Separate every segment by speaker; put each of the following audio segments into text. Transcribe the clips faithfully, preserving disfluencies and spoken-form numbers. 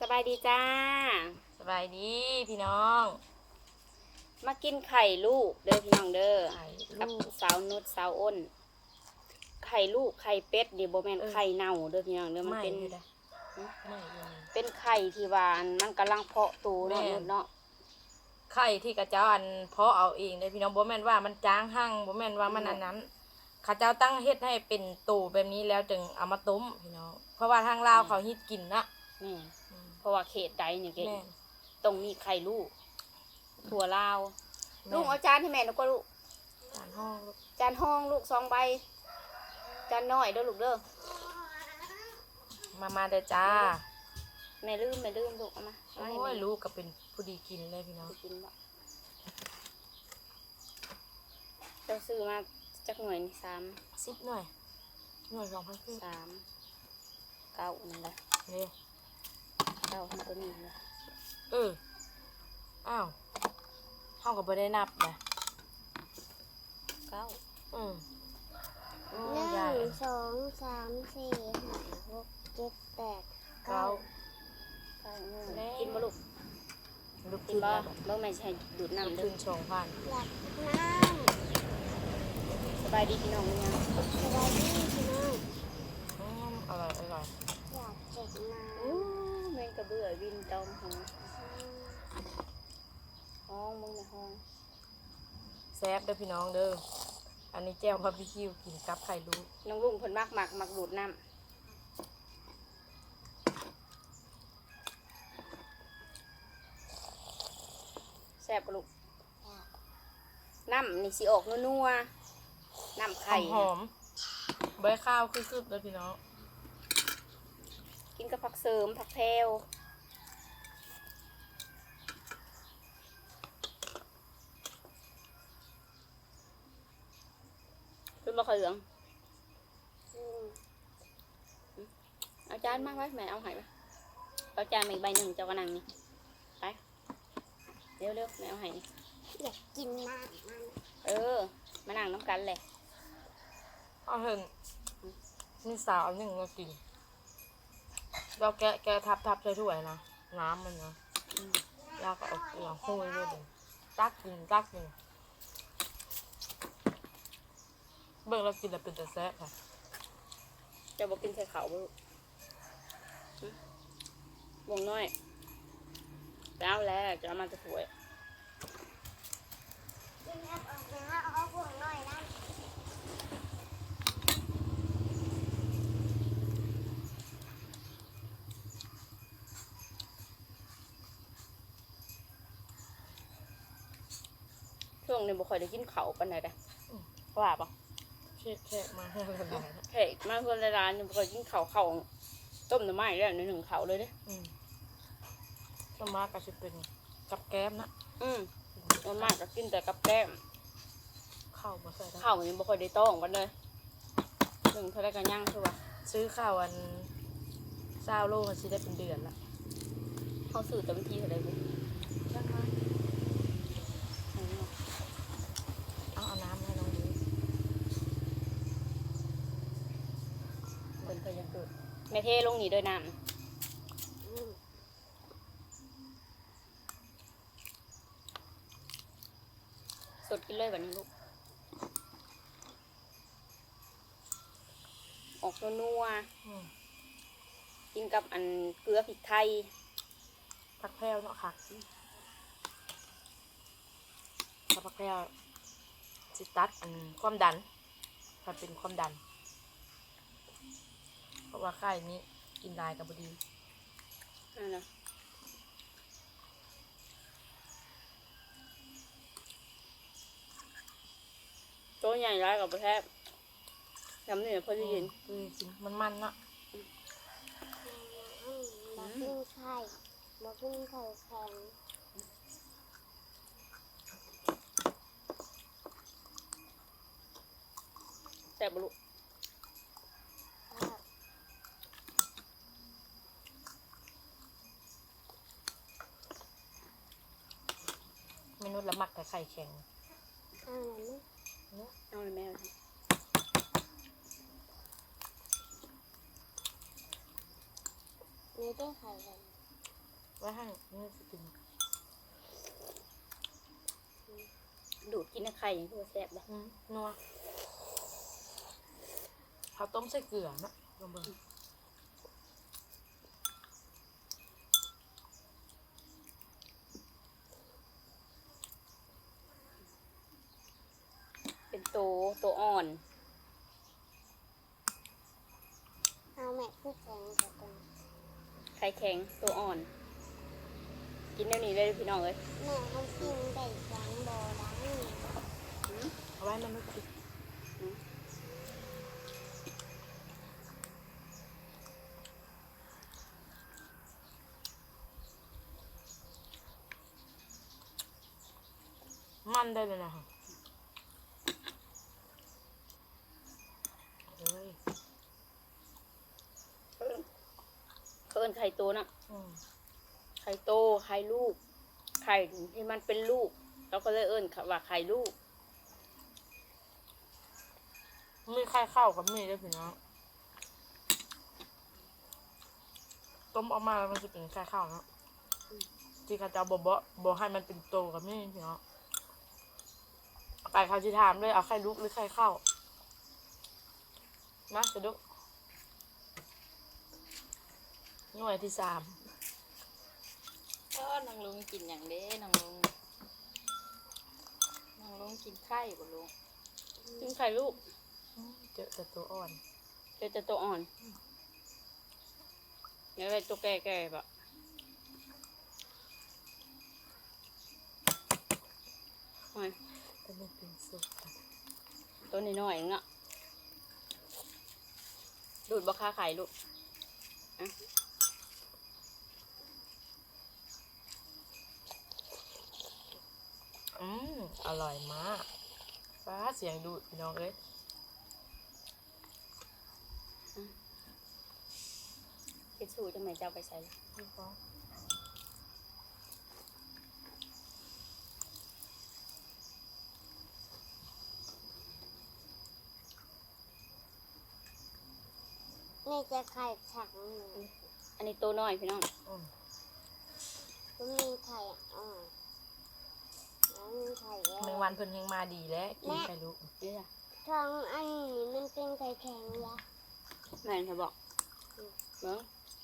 Speaker 1: บายดีจ้า
Speaker 2: สบายดีพี่น้อง
Speaker 1: มากินไข่ลูกเด้อพี่น้องเด้อ
Speaker 2: ไข่
Speaker 1: กับ
Speaker 2: ลูก
Speaker 1: สาวนุชสาวอ้นไข่ลูกไข่เป็ดเดี๋ยวโบแมน
Speaker 2: เออ
Speaker 1: ไข่เน่าเด้อพี่น้องเด้อมัน
Speaker 2: ไม่
Speaker 1: เป็น
Speaker 2: อยู่ได้ไม่อยู่นี่
Speaker 1: เป็นไข่ที่หวานมันกำลังเพาะตูเนาะ
Speaker 2: แม่น
Speaker 1: นุชเนาะ
Speaker 2: ไข่ที่กระเจ้าอันเพาะเอาเองเลยพี่น้องบ่แม่นว่ามันจ้างหั่งบ่แม่นว่ามันอันนั้นเข้าเจ้าตั้งเฮ็ดให้เป็นตูแบบนี้แล้วจึงเอามาต้มพี่น้องเพราะว่าทางลาวเขาฮิตกินนะ
Speaker 1: นี่
Speaker 2: อืม
Speaker 1: เพราะว่าเขตใดเนี่ยเก
Speaker 2: แม่น
Speaker 1: ตรงมีไข่ลูกถั่วลาว
Speaker 2: แม่น
Speaker 1: ลูกเอาจานให้แม่แล้วก็ลูก
Speaker 2: จานห้องลูก
Speaker 1: จานห้องลูกสองใบจานน้อยเด้อลูกเด้อ
Speaker 2: มามาเด้อจ้า
Speaker 1: แม่ลืมแม่ลืมลูกเอามาเอาให้
Speaker 2: โอ้
Speaker 1: แม่
Speaker 2: ยลูกก็เป็นผู้ดีกินเลยพี่น้อง
Speaker 1: ไปกินบ่เราซื้อมาจากหน่วยนี่สาม
Speaker 2: สิบหน่อยหน่วยสองพันครึ่ง
Speaker 1: สามเก้านี่แหละ
Speaker 2: นี่
Speaker 1: เก้าทั้งตัวนี้เลย
Speaker 2: เอออ้าวเฮาก็บ่ได้นับนะ
Speaker 1: เก้า
Speaker 2: อืมโอ้
Speaker 3: หนึ่
Speaker 2: ยาย
Speaker 3: งสองสามสี่ห้าหกเจ็ดแปด
Speaker 2: เก้า
Speaker 1: เก้าหนึ่ง
Speaker 2: แม่
Speaker 1: กินบ่ลูก
Speaker 2: ลูก
Speaker 1: กิ
Speaker 2: กิ
Speaker 1: น
Speaker 2: น
Speaker 1: บ่
Speaker 2: แล้ว
Speaker 1: เมื่อแม่ใช้ดูด
Speaker 2: ลูก
Speaker 1: น้ำเด้
Speaker 2: ขึ้
Speaker 1: อน
Speaker 2: สองพัน
Speaker 3: หลับน้ำ
Speaker 1: สบายดีพี่น้องมั้ยยัง
Speaker 3: สบายดีพี่น้อง
Speaker 2: อืมอร่อยอร่อย
Speaker 3: อยากเจ็บน้
Speaker 1: อู้แม่งกระเบื่อวินตอมหงห้องมึงในห้อง
Speaker 2: แซ่บเด้อพี่น้องเด้ออันนี้แจ่วบาร์บีคิวกินกับไข่ลูก
Speaker 1: น้องลุงเพิ่นมักมักมักดูดน้ำแซ่บบ่ลูกน้ำนี่สิออกนัวๆน้ำไข่
Speaker 2: หอมๆใบข้าวคือๆเด้อพี่น้อง
Speaker 1: กินกับผักเสริมผักแพรวเป็นบะขเหลือง
Speaker 3: ำอืม
Speaker 1: เอาจานมาไว้แม่เอาใหายไปเอาจานมาอีกใบหนึ่งเจ้ากระนังนี่ไปเร็วเร็วแม่เอาใหายนี่
Speaker 3: อยากกินน้ำมัน
Speaker 1: เออมานั่งน้ำกันเลย
Speaker 2: เอาเห็นมีสาวหนึ่งมากินเราแกะแกะทับทับใส่ถ้วยนะน้ำมันนะ
Speaker 1: อืม
Speaker 2: แล้วก็เอาเกลือโห้ยด้วยเดี๋ยวตักกินตักกินเบิ่งเรากินแล้วเป็นแต่แซ่บค่ะ
Speaker 1: เจะบอกกินใส่เขาบ่ลูกหึวงน้อยแล้วแล้วจะเอามาจะสวย
Speaker 3: กินแอปออกนะเอาพวกหน่อยนะ
Speaker 1: ช่วงนี้บ่ค่อยได้กินเขาวปานใดเด้อว่าปะ
Speaker 2: เช็ดแค่มาให้ละลายนะ
Speaker 1: เฮ้ยมาเพื่อนในร้านนี่บ่ค่อยกินเขาวเขาวต้มหน่อไม้แล้วในหนึ่งเขาวเลยเด้อ
Speaker 2: อืมสวนมากก็จะเป็นกับแก้มนะ
Speaker 1: อืมส่วนมากก็กินแต่กับแก้ม
Speaker 2: ข้าวมาใส่ได้
Speaker 1: ข้าวนี่บ่ค่อยได้ต้องกันเลยหนึ่งเท่าไรกันย่างคือว่า
Speaker 2: ซื้อข้าวอันเศร้าโลมันสิได้เป็นเดือนละ
Speaker 1: เขาสื่อเต็มที่เท่าไรบุ
Speaker 2: ช่างมาเอาเอาน้ำให้น้องดู
Speaker 1: เป็นเคยยังเกิดแม่เทลงนี่ด้วยน้
Speaker 3: อืม
Speaker 1: ำสดกินเลยแบบนี้ลูกออกนัว
Speaker 2: อืม
Speaker 1: ๆกินกับอันเกลือพริกไทย
Speaker 2: ผักแพรวเนาะค่ะถ้าผักแพรวสิตัดอันความดันถ้าเป็นความดัน เพราะว่าไข่นี้กินได้กับบดี
Speaker 1: นั่นนะตัวใหญ่ร้ายกับประแทบยำนี่พอดีกิน
Speaker 2: คือกินมันมันๆเนาะ
Speaker 3: อืมบอกกินไข่บอกกินไข่แข็ง
Speaker 1: แต่บลุ
Speaker 3: ครับ
Speaker 2: เมนูละหมักแต่ไข่แข็ง
Speaker 3: เอาหน่อยไหม
Speaker 1: เอาเลยแม่
Speaker 3: มีได้ไข่แข็ง
Speaker 2: ไว้ให้นี่สิกิน
Speaker 1: ดูดกินนะไข่ตัวแซ่บเลย
Speaker 2: อืมนัวเขาต้มใส่เกลือนะลองเบิ่ง
Speaker 1: เป็นโตโตอ่อน
Speaker 3: เอาแม่ผู้แข็งกับกัน
Speaker 1: ไข่แข็งโตอ่อน กินเดี๋ยวนี้เลยพี่น้องเลย
Speaker 3: แม่เขากินได้ครั้งบ่ล้างนี่
Speaker 2: เอาไว้มันไม่กินมันได้เลยนะคะเฮ้ย
Speaker 1: เขาเอิ้นไข่โตนะ
Speaker 2: อืม
Speaker 1: ไข่โตไข่ลูก ไข่ที่มันเป็นลูกเราก็เลยเอิ้นว่าไข่ลูก
Speaker 2: มีไข่ข้าวกับมีด้วยพี่น้องต้มออกมาแล้วมันจะเป็นไข่ข้าวเนาะที่ข้าเจ้าบอกบอกบอกให้มันเป็นโตกับมีพี่น้องไก่ข้าวที่ถามเลยเอาไข่ลูกหรือไข่ข้าวมาจะดูหน่วยที่สาม
Speaker 1: ก็นางลุงกินอย่างเด้นางลุงนางลุงกินไข่บ่ลุงกินไข่ลูก
Speaker 2: อืมเจอแต่ตัวอ่อน
Speaker 1: เดี๋ยวจะตัวอ่อนเดี๋ยวไปตัวแก่ๆแบบโอ้ย
Speaker 2: แต่มันเป็นสุกค่ะ
Speaker 1: ตัวน้อยๆเองอะดูดบะคาไข่ลูกอะ
Speaker 2: อืมอร่อยมากฟ้าเสียงดูดพี่น้องเอ้ย
Speaker 1: ทิชชู่จะไม่เจ้าไปใส่เลย
Speaker 2: พี่ฟ้อง
Speaker 3: แม่จะไข่ถังหนึ่ง
Speaker 1: อันนี้ตัวน้อยพี่น้อง
Speaker 2: อืม
Speaker 3: ก็มีไข่อ่อนแล้วมีไข่แย
Speaker 2: แมง
Speaker 3: ก
Speaker 2: วันเพิ่นยังมาดีแล้วกินไข่ลูก
Speaker 1: นี่จ้ะ
Speaker 3: ท้องอันนี้มันเป็นไข่แข็งละ
Speaker 1: แม่นเธอบอกเบิ้ง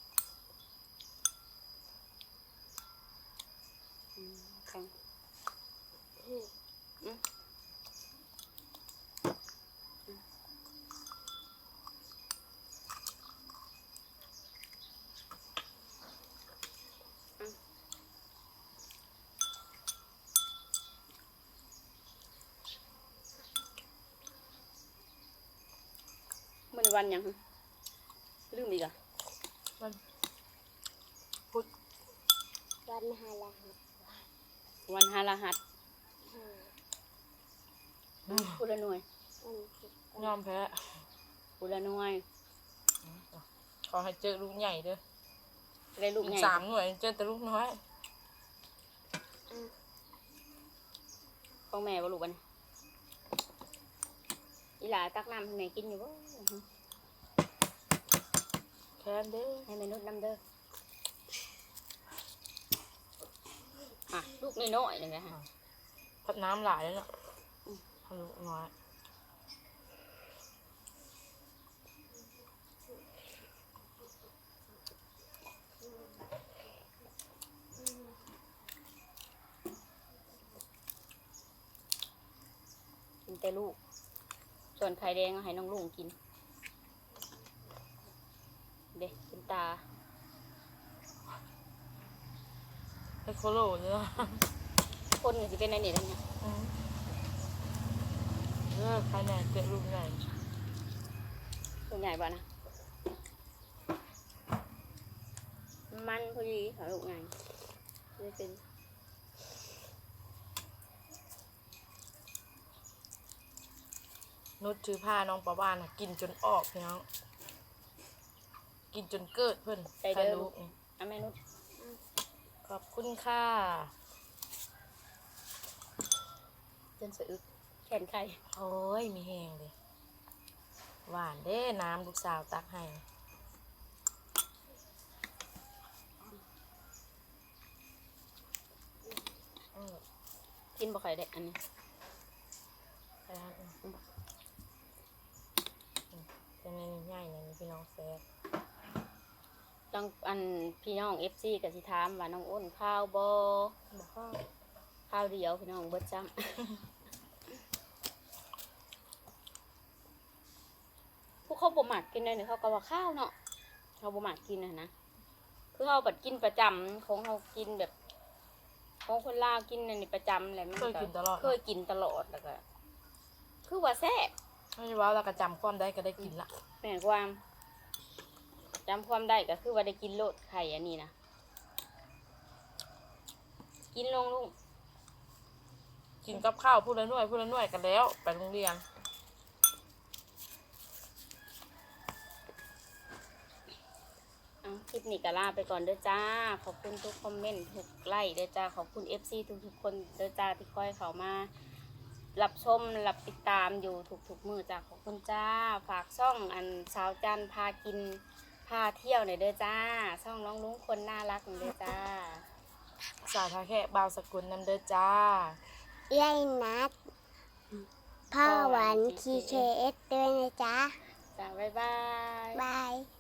Speaker 1: อืมแข็ง
Speaker 3: อืม
Speaker 1: อืมมันวันหยังลืมอีกอ่ะ
Speaker 2: มันพุด
Speaker 3: วันฮาลาฮะ
Speaker 1: วันฮาราหัส
Speaker 3: ฮะ
Speaker 1: พูดละหน่วย
Speaker 3: วันศุกร์
Speaker 2: ยอมแพ้
Speaker 1: พูดละหน่วย
Speaker 2: ขอให้เจอลูกใหญ่เด้อ
Speaker 1: ได้ลูก
Speaker 2: อี
Speaker 1: ให
Speaker 2: ก
Speaker 1: ญ่
Speaker 2: สามหน่วยเจอแต่ลูกน้อย
Speaker 3: อ่ะ
Speaker 1: ของแม่บ่ลูกอันนี้อีหลาตักน้ำให้แม่กินอยู่บ่
Speaker 2: แค้นเด้อ
Speaker 1: ให้แม่นุดน้ำเด้ออ่ะลูกน้อยๆนี่ไงฮะ
Speaker 2: พัดน้ำหลายแล้วเนาะให้ลูกน้อย
Speaker 1: กินแต่ลูก ส่วนไข่แดงเอาให้น้องลุงกิน เด็กกินตา
Speaker 2: ให้โคโลเนาะ
Speaker 1: คนก็สิเป็นในนี่แล้วเนี่ย
Speaker 2: อืมเออใครไหนเจอลูกใหญ่
Speaker 1: ลูกใหญ่บ่นะมันพอดีค่ะลูกใหญ่ไม่เป็น
Speaker 2: นุชถือผ้าน้องประวานน่ะกินจนออกพี่น้องกินจนเกิดเพิ่นใครรู้
Speaker 1: อ่ะแม่นุช
Speaker 2: ขอบคุณค่ะ
Speaker 1: จนสะอึกแขนไข่
Speaker 2: โอ้ยมีแหงเลยหวานเด้น้ำลูกสาวตักให้
Speaker 1: กินบ่ค่อยได้อันนี้
Speaker 2: ไปทานอื่นเป็นในนี้ง่ายเลยพี่น้องแซ่บ
Speaker 1: ต้องอันพี่น้อง เอฟ ซี ก็สิถามว่าน้องอ้นข้าวบ่
Speaker 2: บอกว่า
Speaker 1: ข้าวเดียวพี่น้องเบิดจ้ำ พวกเขาบ่มักกินเลยเนี่ยเขาก็ว่าข้าวเนาะเขาบ่มักกินนะนะคือเขาบัดกินประจำของเขากินแบบของคนลาวกินอันนี้ประจำแหละมัน
Speaker 2: เคยกินตลอด
Speaker 1: เคยกินตลอดแล้วก็คือว่าแซ่บ
Speaker 2: ไม่ใช่ว่าเราก็จำความได้ก็ได้กินละ
Speaker 1: แม่นความจำความได้ก็คือว่าได้กินโลดไข่อันนี้นะกินลงลูก
Speaker 2: กินกับข้าวพูดละหน่วยพูดละหน่วยกันแล้วไปโรงเรียน
Speaker 1: เอาคลิปนี้ก็ลาไปก่อนเด้อจ้าขอบคุณทุกคอมเมนต์ทุกไลค์เด้อจ้าขอบคุณ เอฟ ซี ทุกๆคนเด้อจ้าที่คอยเข้ามารับชมรับติดตามอยู่ทุกๆมือจ้าขอบคุณจ้าฝากช่องอันสาวจันพากินพาเที่ยวหน่อยเด้อจ้าช่องน้องลุงคนน่ารักหน่อยเด้อจ้า
Speaker 2: สาวทาแค่บาวสกุลนำเด้อจ้า
Speaker 3: ยายนัดพ่อหวานทีเคเอสด้วยนะจ๊ะ
Speaker 1: จ้าบ๊ายบาย
Speaker 3: บาย